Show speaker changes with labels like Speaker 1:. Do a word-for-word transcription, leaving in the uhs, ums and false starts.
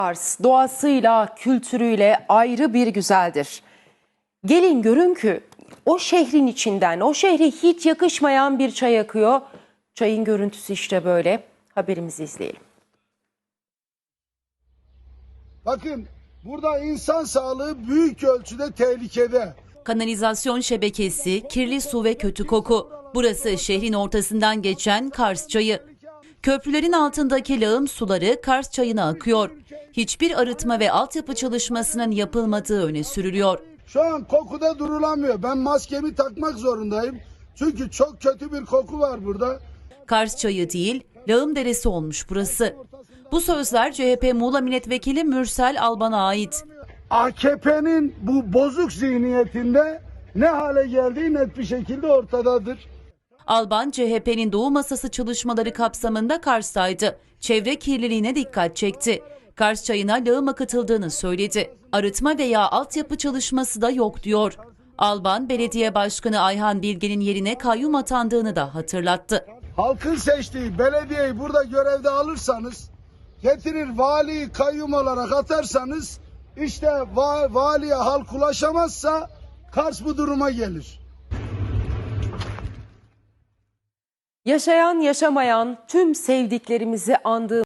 Speaker 1: Kars doğasıyla, kültürüyle ayrı bir güzeldir. Gelin görün ki o şehrin içinden, o şehre hiç yakışmayan bir çay akıyor. Çayın görüntüsü işte böyle. Haberimizi izleyelim.
Speaker 2: Bakın burada insan sağlığı büyük ölçüde tehlikede.
Speaker 3: Kanalizasyon şebekesi, kirli su ve kötü koku. Burası şehrin ortasından geçen Kars Çayı. Köprülerin altındaki lağım suları Kars Çayı'na akıyor. Hiçbir arıtma ve altyapı çalışmasının yapılmadığı öne sürülüyor.
Speaker 2: Şu an kokuda durulamıyor. Ben maskemi takmak zorundayım. Çünkü çok kötü bir koku var burada.
Speaker 3: Kars Çayı değil, lağım deresi olmuş burası. Bu sözler C H P Muğla Milletvekili Mürsel Alban'a ait.
Speaker 2: A K P'nin bu bozuk zihniyetinde ne hale geldiği net bir şekilde ortadadır.
Speaker 3: Alban, C H P'nin Doğu Masası çalışmaları kapsamında Kars'taydı. Çevre kirliliğine dikkat çekti. Kars Çayı'na lağım akıtıldığını söyledi. Arıtma veya altyapı çalışması da yok diyor. Alban, Belediye Başkanı Ayhan Bilge'nin yerine kayyum atandığını da hatırlattı.
Speaker 2: Halkın seçtiği belediyeyi burada görevde alırsanız, getirir valiyi kayyum olarak atarsanız, işte va valiye halk ulaşamazsa Kars bu duruma gelir.
Speaker 1: Yaşayan yaşamayan tüm sevdiklerimizi andığımız